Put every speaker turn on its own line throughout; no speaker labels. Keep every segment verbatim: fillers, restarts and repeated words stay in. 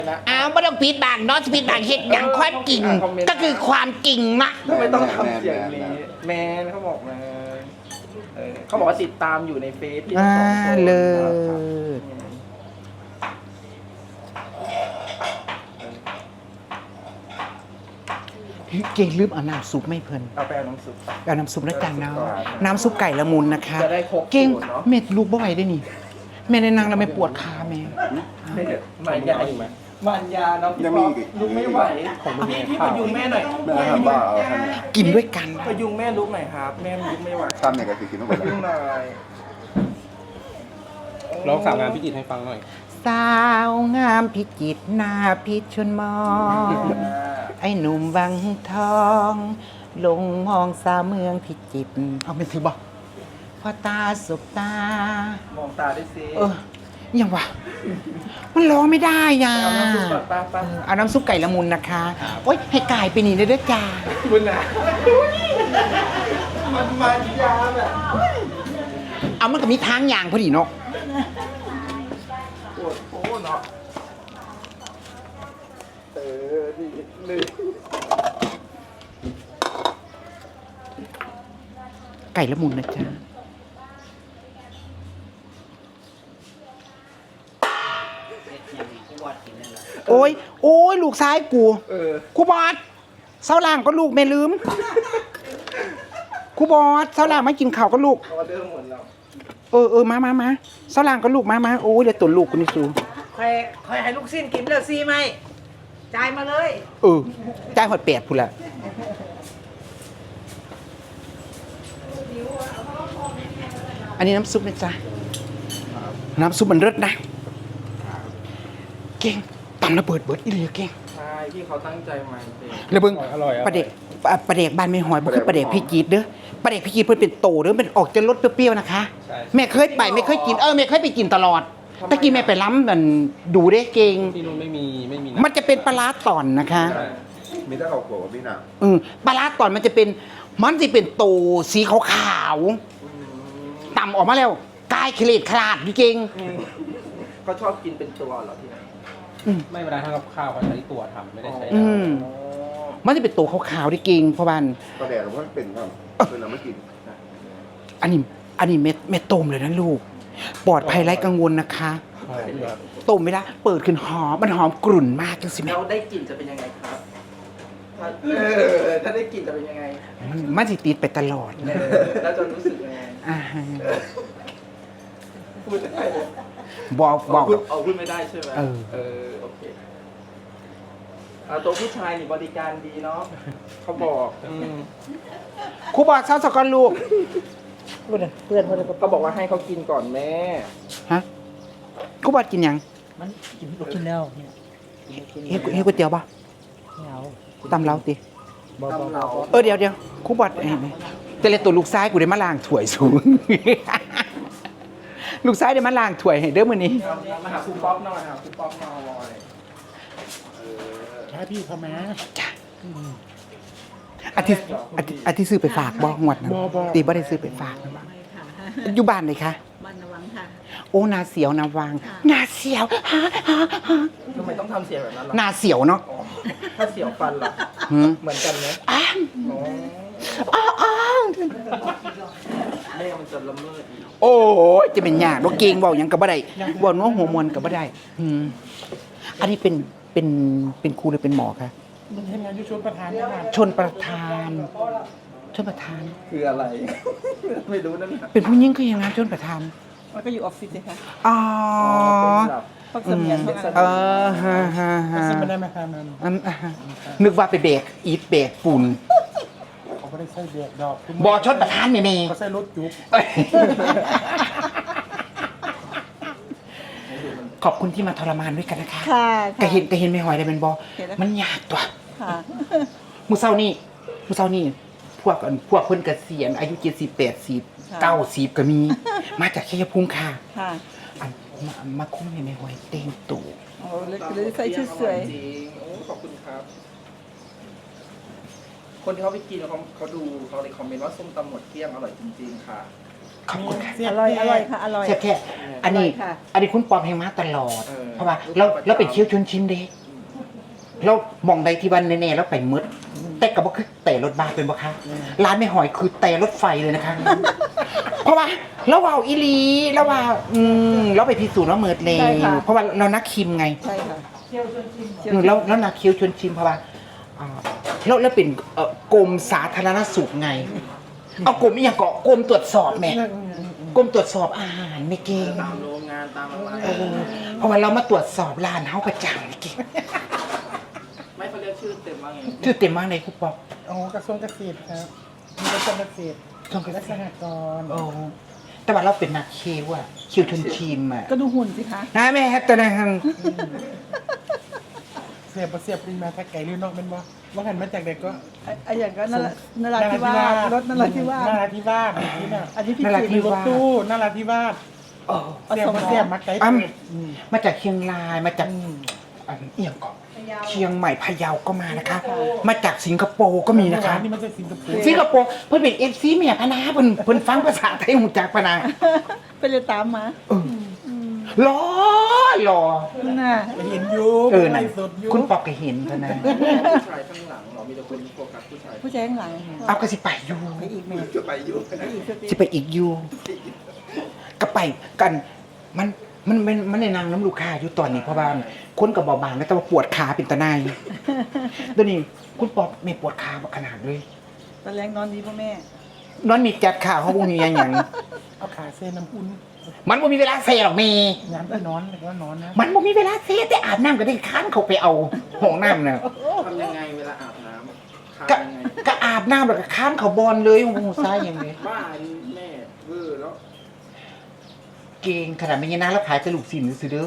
อ้าวไม่ต้องปิดบังเนาะปิดบังเห็ดอย่างความจริงก็คือความจริงนะ
ทำไมต้องทำเสียงนี้แมนเขาบอกมาเขาบอกว่าติดตามอยู่ในเฟซที่สองคนเลย
เก่งลืมเอาน้ำซุปไม่เพิ่น
เอาไปเอาน้ำซุป
เอาน้ำซุปแล้วกันเนาะน้ำซุปไก่ละมุนนะคะ
จะได้ครบ
เก่ง
สูตรเนอะ
เม็ดลูกบ่ไหวได้นี่แม่ในนางแล้วไม่ปวดขาแม่
มันยาอีกไหมมันยาเนาะพี่ป๊อปลุกไม่ไหวพี่พี่พยุงแม่หน่อย
แม่ทำบ้าเอาทำเนี่ย
กินด้วยกัน
พยุงแม่ลุกหน่อยครับ แม่ลุกไม่ไหว
ทำเนี่ยก็คือกินต้อง
พ
ไป
ยุงหน่อย
ร้องสาวงานพี่จิตรให้ฟังหน่อย
สาวงามพิจิตรหน้าพิชนมอง ไอ้หนุ่มวังทอง ลงมองสาวเมืองพิจิตรเอาไม่ถือบ่พอตาสบตา
มองตาด้วยสิ
เออยังวะมันร้องไม่ได้ย่ะ
เอาน้ำซุปก่อนป้าป้า
เอาน้ำซุปไก่ละมุนนะคะโอ๊ยให้ไก่ไปนี่เลยเด้อจ้า
คุณนะมันมันยาแบบ
เอามันก็มีทางอย่างพอดีเนาะ
ปวดโอ้เนาะเออดีเลย
ไก่ละมุนนะจ๊ะโอ้ยโอ้ยลูกซ้ายกู
เออ
กูบอสเสาล่างก็ลูกไม่ลืมกูบอสเสาล่างไม่กินข้าวก็ลูก
ออเดอร์หมดแล้ว
เออเออมามามาเสาล่างก็ลูกมามาโอ้ยเดี๋ยวตัวลูกกูนี่สู
คอยคอยให้ลูกสิ้นกินเลยซีไหมจ่ายมาเลย
เออจ่ายหดแปดพูดละอันนี้น้ำซุปนะจ๊ะน้ำซุปมันเลิศนะเก่งตำระเบิดเบิดอีเลยเก่ง
ใช่ที่เขาตั้งใจมาจริง
แล้วเบิ่ง
อร่อยอร่อย
ปลาเด็กปลาเด็กบ้านไม่หอยบ่คือปลาเด็กพี่จีดเด้อปลาเด็กพี่จีดเพิ่นเป็นโตเด้อเป็นออกจะรสเปรี้ยวๆนะคะ
ใช่
แม่เคยไปไม่เคยกินเออแม่เคยไปกินตลอดตะกี้แม่ไปล้ำมันดูได้เก่ง
ที่นู่นไม่มีไม่มี
มันจะเป็นปลาร้าตอนนะคะ
มีแต่เขาโกรธพี่น่ะ
เออปลาร้าตอนมันจะเป็นมันจะเป็นโตสีขาวๆต่ำออกมาแล้วกายเคลดขลาดจริง
เขาชอบกินเป็นตัวเหรอที่ไหน
ไม่เวลาทำกับข้าวเขาใช้ตัวทำไม่ได้ใช้
ๆอืมมันจะเป็นโตขาวๆที่เก่งเพราะว่า
ก็แดดมันเป็นครับเป็นเราไม่กิน
อันนี้อันนี้เม็ดเม็ดต้มเลยนะลูกปลอดภัยไร้กังวลนะคะ
หอมแบบ
ต้มไม่ได้เปิดขึ้นหอมมันหอมกรุ่นมากจังสิแม่
แล้วได้กลิ่นจะเป็นยังไงครับถ้าเออถ้าได้กลิ่นจะเป็นยังไง
มันมันสิติดไปตลอด
เออแล้วจะรู้สึกยังไง
อ่าฮะ
พูดได้เลย
บอกบอก
พูดเอาพูดไม่ได้ใช่ไหม
เออ
เออโอเคเอาตัวผู้ชายนี่บริการดีเนาะเขาบอกอืม
ครูบอกเช้าสกอนลูก
เพื่อนเพื่อนเพื่อน
ก็บอกว่าให้เขากินก่อนแม่
ฮะครูบอกกินยัง
มันกินกินแล้วเนี่ย
เฮ้ยเฮ้ยก๋วยเตี๋ยวป่ะ
ไม่เอา
ตำเล้าติ
บ่บ่บ่
เออเดี๋ยวเดี๋ยวครูบอกเห็นไหมแต่เลยตัวลูกซ้ายกูได้มาล้างถ้วยสูง ลูกซ้ายได้มาล้างถ้วยให้เด้อมื้อนี้
มาหาครูป๊อปหน่อยหาครูป๊อปหน่อย
ถ้าพี่เขามา
จ้ะอาทิตย์อาทิตย์อาทิตย์ซื้อไปฝากบ่งวดนั้นตีบ่ได้ซื้อไปฝากนะบ่อยู่บ้านเลยคะ
บ้านนวังค่ะ
โอ้นาเสียวนาวังนาเสียวฮะฮะฮะ
ทำไมต้องทำเสียงแบบนั้นล่ะ
นาเสียวเนาะ
ถ้าเสียวฟันล่ะ
หืม
เหมือนกันไหม
อ้า
อ๋อ
อ้าวอ้าว
แม่มันจะละเมิดอีก
โอ้ยจะเป็นยากบ่เก่งเว้าหยังก็บ่ได้เว้าน้องหัวมวนก็บ่ได้อืมอันนี้เป็นเป็นเป็นครูหรือเป็นหมอคะ
มันทำงานอยู่ชนประธานนะ
ชนประธานชนประธาน
คืออะไร ไม่รู้นั่นน่ะ
เป็นผู้หญิงคือยังไงชนประธาน
มันก็อยู่ออฟฟิศเลยค่ะ
อ๋อ
เป็นแบบ
พวกเสมียนพวกอะไร
เออฮะฮะฮะ
ไม่ได้มาทำนั้น
อืมอ่าฮะนึกว่าไปเบรกอีทเบรกฝุ่น
เขาไม่ได้ใส่เบียดดอก
บอชนประธานแม่
เขาใส่รถจุ๊บ
ๆเอ้ยขอบคุณที่มาทรมานด้วยกันนะคะ
ค่ะ
กะเห็นกะเห็นไม่หอยได้เป็นบอ
เห็นแล้ว
มันยากตัว
ค่ะ
มือเศร้านี่มือเศร้านี่พวกอันพวกเพิ่นเกษียณอายุเจ็ดสิบแปดสิบเก้าสิบก็มี มาจากชัยภูมิค่ะ
ค่ะ
อันมามาคุ้มให้ไม่หอยเต็งตู่
โอ้เลยเลยใส่ชุดสวย
จริงโอ้ขอบคุณครับ คนที่เขาไปกินเขาเขาดูเขาเลยคอมเมนต์ว่าส้มตำหมดเกลี้ยงอร่อยจริงๆค่ะ
ขอบคุณค่ะ
อร่อยอร่อยค่ะอร่อย
แซ่บแท้อันนี้
อร่อยค่ะ
อันนี้คุณปอมให้มาตลอด เพราะว่าเราเราเป็นเชี่ยวชนชิมเด้เรามองใดที่วันแน่ๆแล้วไปมืดแต่กับว่าคือแต่รถบ้าเป็นบ่คะร้านไม่หอยคือแต่รถไฟเลยนะคะ เพราะว่าเราเอาอีหลีเราว่าอืมเราไปพิสูจน์ว่าเมิดเลย
ใช่ค่ะ
เพราะว่าเรานักคิมไง
ใช่ค่ะ
อืมแล้วแล้วนักคิวชวนชิมเพราะว่าอ่าแล้วแล้วเป็นเอ่อกรมสาธารณสุขไง เอากรมอีหยังเกาะกรมตรวจสอบแหม่กรมตรวจสอบอาหารไม่เก่ง
ตามโรงงานตามอะไร
เออเพราะว่าเรามาตรวจสอบร้านเฮาประจำไม่เก่ง
ไม่เขาเรียกชื่อเต็มว่าไง
ชื่อเต็มมากเลยครูปอก
โอ้กระทรวงเกษตรครับมีกระทรวงเกษตร
ต้องกระ
และ
แส
สหกรณ์
โอ้แต่ว่าเราเป็นนักคิวอะคิวชวนชิมอะ
ก็ดูหุ่นสิคะ
นะแม่ฮัตตนะฮัง
เสียบบ่เสียบปริมาถ้าไก่หรือนอกเป็นบ่ว่าหันมาจากเด็กก็
ไอ้ไอ้อย่างก็นรานราธิวาสรถนราธิวาส
นาราธิวาสนี่น่ะ
อันนี้พี่
นรา
จิ
ธิ
ตร
รถตู้นาราธิวาส
โอ้
เสียบบ่เสียบมาไก่
อ้ํ
อืม
มาจากเชียงรายมาจาก
อืม
อันเอียงเกาะเชียงใหม่พะเยาก็มานะคะ มาจากสิงคโปร์ก็มีนะคะ
นี่มันจากสิงคโปร์
สิงคโปร์เพิ่นเป็นเอฟซีเมียพะนาเพิ่นเพิ่นฟังภาษาไทยหูจักพะนา
ไปเลยตามมา
เออรอรอ
น่ะ
เห็นอยู่
เออ
ไล
นะ
ฟ์สดอยู่
คุณปอกก็เห็นพะนา
ผู้ชายข้างหลังเรามีแต่คนโฟกัสผู้ชาย
ผู้ชายข้างหลัง
เอาก็สิไปอยู่
ไปอีกแม่
จะไปอยู่
ไปอีกสักที
สิไปอีกอยู่ก็ไปกันมันมันมันมันในนางน้ำลูกค้าอยู่ตอนนี้เพราะว่าคนก็บ่บางแล้วแต่ว่าปวดขาเป็นตะนายเดี๋ยวนี้คุณปอกไม่ปวดขาบ่ขนาดเลย
ตอนแรงนอนดีพ่อแม่
นอนมีจัดขาเฮาบ่มีหยังหยัง
เอาขาเส้นน้ำอุ่น
มันบ่มีเวลาเซหรอกแม่
ยามที่นอนหรือว่านอนนะ
มันบ่มีเวลาเซแต่อาบน้ำก็ได้ค้านเขาไปเอาห้องน้ำน่ะ
ทำยังไงเวลาอาบน้ำทำ
ก็
ยังไง
ก็อาบน้ำแล้วก็ค้านเขาบอลเลยโอ้โหซ้ายอย่างนี้
บ้าแม่เวอร์แล้ว
เก่งขนาดไม่ยันนะแล้วขายกระลูกสินซื้อเด้อ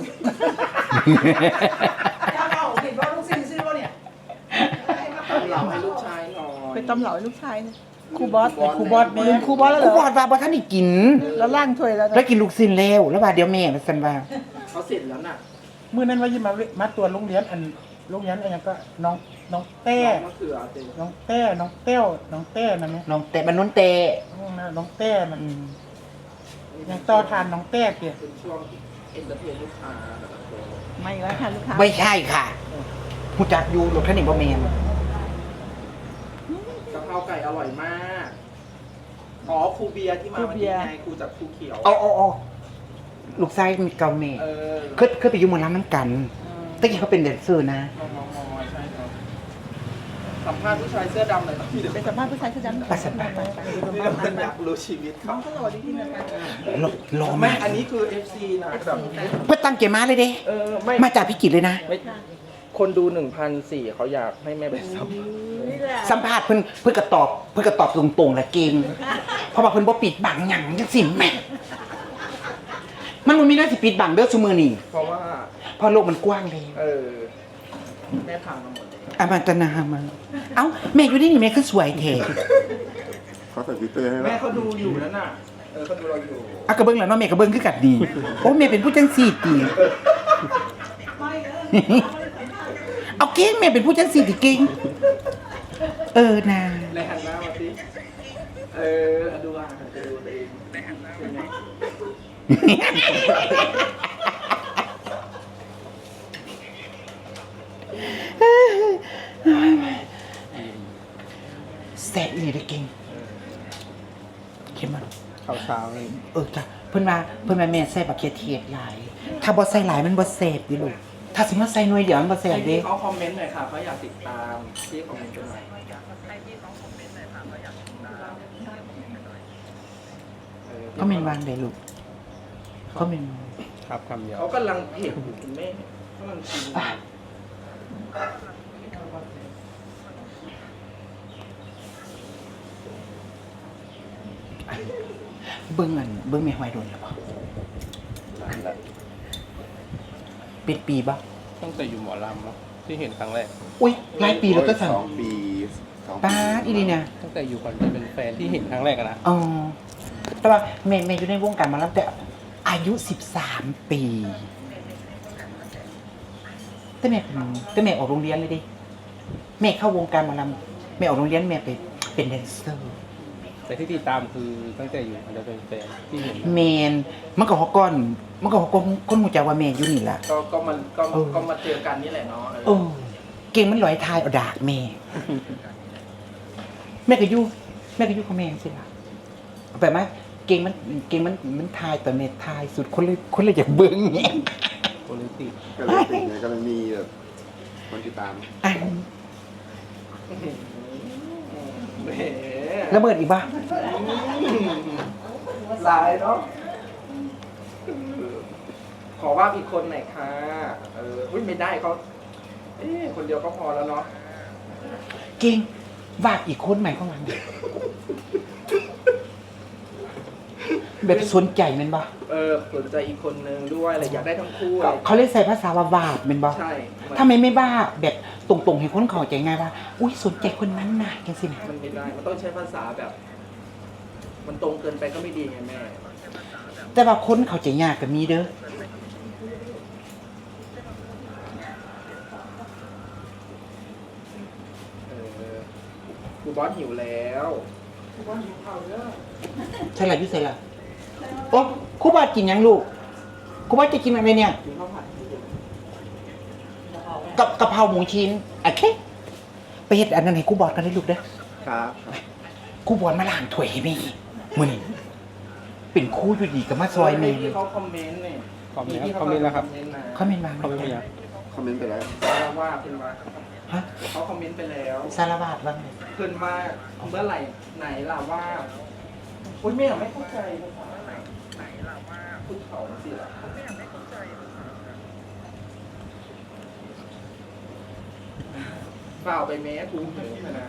ทำเหล่าให้ลูกชายหน่อย
ไปตำเหล่าให้ลูกชายเนี่ยครูบอส
ครูบอสแม่
ลืมครูบอสแล้วเห
กู
ร
บ
อ
อดว่าบ่ท่านได้กิน
แล้วล่างถ้วยแล้ว
แล้ว
นะ
กินลูกสินแล้วแล้วว่าเดี๋ยวแม่มาสั่นว่า
เขาเสร็จแล้วน่ะ
เมื่อนั้นว่าจะมาเวมาตรวจโรงเรียนอันโรงเรียนอะไรก็น้องน้องเต้
มะเขือเต็ม
น้องเต้น้องเต้วน้องเต้นั่นไหม
น้องแต่มันนุ่นเตะ
น้องเต้มัน
อืม
ยังต่อทานน้องเต้เกี่ย
เป็นช่วงเอนเตอร์เทนลูกค้าแต่ละคน
ไม่แล้วค่ะลูกค้า
ไม่ใช่ค่ะหูจักอยู่รถคันนี้บ่แม่น
กะเพราไก่อร่อยมาก อ๋อครูเบียร์ที่มาวันนี้ไงครูจากครูเขียว
เอาเอาเอาลูกชายมีเก่าแม่
เออ
เคยเคยไปอยู่หมอลำน้ำกันตะกี้เขาเป็นแดนเซอร์นะ
มอมอมอใช่ครับสัมภาษณ์ผู้ชายเสื้อดำหน่อยครับพี่เดี๋ยว
ไปสัมภาษณ์ผู้ชายเสื้อดำ
ไปสัมภาษณ์
ไปไป
ผมอยากรู้ชีวิต
น้
เขา
องเขาหล่อดีที่นะคะ
รอรอ
ไม่
มาก
อันนี้คือ เอฟ ซี นะแบบ
เพื่อตั้งเกมมาเลยเด้
เออไม่
มาจากพิจิตรเลยนะ
ไม่คนดูหนึ่งพันสี่เขาอยากให้แม่ไปสัม
นี่แหละ
สัมภาษณ์เพิ่นเพิ่นก็ตอบเพิ่นก็ตอบตรงๆแหละเก่งเพราะว่าเพิ่นบ่ปิดบังหยังจังซี่แหม่มันบ่มีหน้าสิปิดบังเด้อซุมื้อนี้
เพราะว่า
เพราะโลกมันกว้างเลย
เออ แม่ผ่านมาหมดเลย
อามันตนามาเอ้าแม่อยู่นี่นี่แม่คือสวยแท้
เขาใส่ฟิลเตอร์ให้
แม่
แล้ว
เขาดูอยู่นั่นน่ะ เออเขาดูเราอยู่
อ่ะก็เบิ่งแล้วเนาะแม่ก็เบิ่งคือกันดีโอ้แม่เป็นผู้จังซี่ติเอาเก่งแม่เป็นผู้จังซี่ติเก่งเออนะ
ในหันหน้ามาสิเออดูอ่ะจะดูตัวเองในหันหน้าเป็นไง
แซ่บอีหลีเด้อเก่งเข้มมัน
ข้าวเช้านี่
เออจ้ะเพิ่นว่าเพิ่นว่าแม่ใส่บักเขือเทศหลาย ถ้าบ่ใส่หลายมันบ่แซ่บดิลูกถ้าสิมาใส่หน่วยเดียวมันบ่แซ่บเด้
เขาคอมเมนต์หน่อยค่ะเขาอยากติดตามที่คอมเมนต์กันหน่อยเออ
เขาเมนวางได้ลูกเขาเมน
ครับคำเดียว
เขากำลังเผ็ดอยู่คุณแม่กำลังกินอยู่
เบิ่งอันเบิ่งแม่หอยโดนแล้วบ่เป็นปีบ่
ตั้งแต่อยู่หมอลำเนาะที่เห็นครั้งแรก
อุ้ยหลายปีแล้วก็สั่ง
สองปีสองปี
ป้าดอีนี่นะ
ตั้งแต่อยู่ก่อนจะเป็นแฟนที่เห็นครั้งแรกอะนะ
อ๋อแต่ว่าแม่แม่อยู่ในวงการมาแล้วแต่อายุสิบสามปีแต่แม่เป็นแต่แม่ออกโรงเรียนเลยดิแม่เข้าวงการหมาลำแม่ออกโรงเรียนแม่ไปเป็นแดนเซอร์
แต่ที่ติดตามคือตั้งแต่อยู่มันจะเป็นแฟนที่เห็น
แมนมันก็ฮอกก้อนมันก็ฮอกก้อนคนหูจักว่าแม่อยู่นี่ล่ะ
ก็ก็มันก็
เออ
ก็มาเจอกันนี่แหละเนาะเออ
โอ้เก่งมันลอยทายเอาดากแม่ แม่ก็อยู่แม่ก็อยู่กับแม่สิล่ะเอาไปไหมเก่งมันเก่งมันมันทายแต่แม่ทายสุดคนเลยคนเลยอยากเบิ่งแง่
โพลิติ
ก็เลยติดไงก็เลยมีแบบคนติดตาม
อัน
แหม
ระเบิดอีกบ้า
ลายเนาะขอว่าอีกคนหน่อยค่ะเอออุ้ยไม่ได้เขาเอ๊ะคนเดียวก็พอแล้วเนาะ
เก่งวาดอีกคนใหม่ข้างหลังแบบสนใจแมันบ่
เออสนใจอีกคนนึงด้วยอะไรอยากได้ทั้งคู่อะไร
เขาเลยใส่ภาษาว่าวาดแมันบ่
ใช่
ทำไมไม่บ้าแบบตรงๆให้คนเข้าใจง่ายว่าอุ้ยสนใจคนนั้นน่ะจังสินะ
มันไม่ได้ มันต้องใช้ภาษาแบบ มันตรงเกินไปก็ไม่ดีไงแม่
แต่ว่าคนเข้าใจยากก็มีเด้อ
เออครูบอสหิวแล้ว
ใช่ละพี่ใช่ละโอ้ครูบากินยังลูกครูบาจะกินอะไรเนี่ย
กินข้าวผัด
กับกะเพราหมูชิ้นโอเคไปเฮ็ดอันนั้นให้ครูบอสกันได้ลูกเด้อ
ครับ
ครูบอสมาล้างถ้วยให้แม่มื้อนี้เป็นครูอยู่ดีก็มาซอยแม่
ที่เขาคอมเมนต์เนี่ย
คอมเมนต์ครับคอมเมนต์แล้วครับ
เขาเมนต์มา
คอมเมนต์ไปยัง
คอมเมนต์ไปแล้ว
สารว่าเพิ่นมา
ฮะ
เขาคอมเมนต์ไปแล้ว
สารวาดว่าไง
เพิ่นมาเมื่อไหร่ไหนล่ะว่าอุ้ยแม่ไม่เข้าใจภาษาไหนล่ะว่าพูดเขาสิล่ะเปล่าไปแม้กูเหนื่อยนะ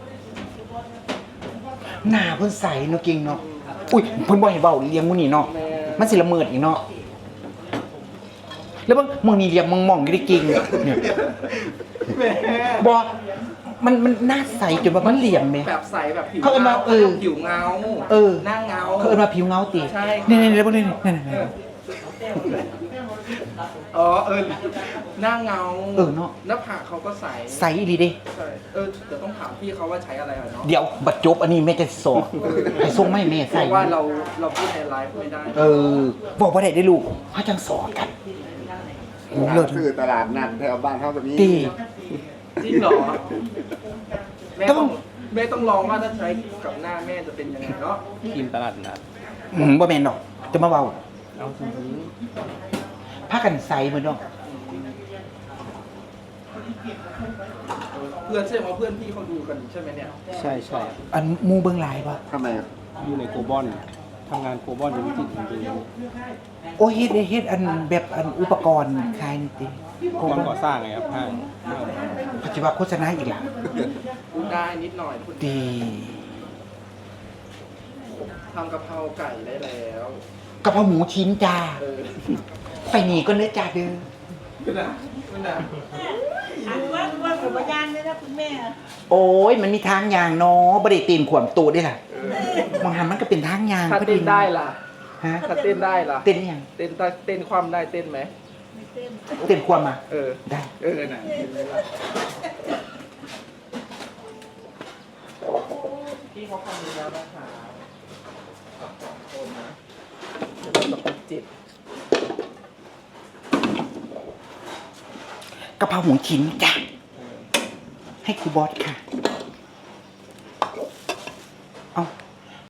หน้าเพิ่นใสเนาะเก่งเนาะอุ้ยเพิ่นบ่ให้เว้าเลี้ยงมื้อนี้เนาะ
แม่
มันสิละเมิดอีกเนาะแล้วบางมึงนี่เลี้ยงมองๆอยู่ได้เก่งเนี่ย
แม่
บ่มันมันหน้าใสจนว่ามันเหลี่ยมแม่
แบบใสแบบผิว
เขาเอิ้นว่าเออ
ผิวเงา
เออ
หน้าเงา
เขาเอิ้นว่าผิวเงาติ
ใช่
นี่ๆๆแล้วบ่นี่ๆนั่น
เอออ๋อเออหน้าเงา
เออเนาะ
หน้าผากเขาก็ใส
ๆใสอีหลีเด้
ใช่เออเดี๋ยวต้องถามพี่เขาว่าใช้อะไรอ่ะเนาะ
เดี๋ยวบัดจบอันนี้แม่จะสอนให้ส่งมาให้แม่
เพ
ใส่
ราะว่าเราเราพูดในไลฟ์ไม่ได้
เออบอกบ่ได้เด้อลูกเฮาจังสอนกันโหเลิศ
คือตลาดนัดแถวบ้านเขาแบบนี้
ดี
จริงเหรอแม่ต้องแม่ต้องลองว่าถ้าใช้กับหน้าแม่จะเป็นยังไงเนาะ
ทีมตลาดนัด
อืมบ่แม่นดอกจะมาเว้า
เอาจริง
พากันใสเหมือนเนาะ
เพื่อนใช่ไหมว่าเพื่อนพี่เขาดูกันใช่ไหมเนี่ย
ๆใช่ใช่
อันหมู่เบิ่งหลายบ่
ทำไมครับ
อยู่ในโกลบอลทำงานโกลบอลอยู่วิจิตรจริง
โอ้เฮ็ดเฮ็ดอันแบบอันอุปกรณ์ขายนี่ติ
ๆกองก่อสร้างไงครับห้าง
ปัจจุบันโฆษณาอีกล่ะ
ได้นิดหน่อยคุณ
ดี
ทำกะเพราไก่ได้แล้ว
กะเพราหมูชิ้นจ้า
เออ
ไปนี่ก็เด้อจ้าเด้อ
คุณน่ะคุณน่ะ
อันว่าว่าผมพยานเลยนะคุณแม่
โอ้ยมันมีทางยางเนาะบ่ได้ตีนขวมตัวเด้ล่ะบางหันมันก็เป็นทางยาง
ถ้า
พอ
เต้นได้ล่ะ
ฮะ
ถ้าเต้นได้ล่ะ
เต้นยัง
เต้นได้เต้นความได้เต้นไหม
ไม่เต็ม
เต้นความมา
เออ
ได้
เออน่ะเห็นไหมล่ะพี่เขาคอมเมนต์แล้วนะคะสองคนนะเดี๋ยวเราจะไปจิต
กะเพราหมูชิ้นจ้ะให้ครูบอสค่ะ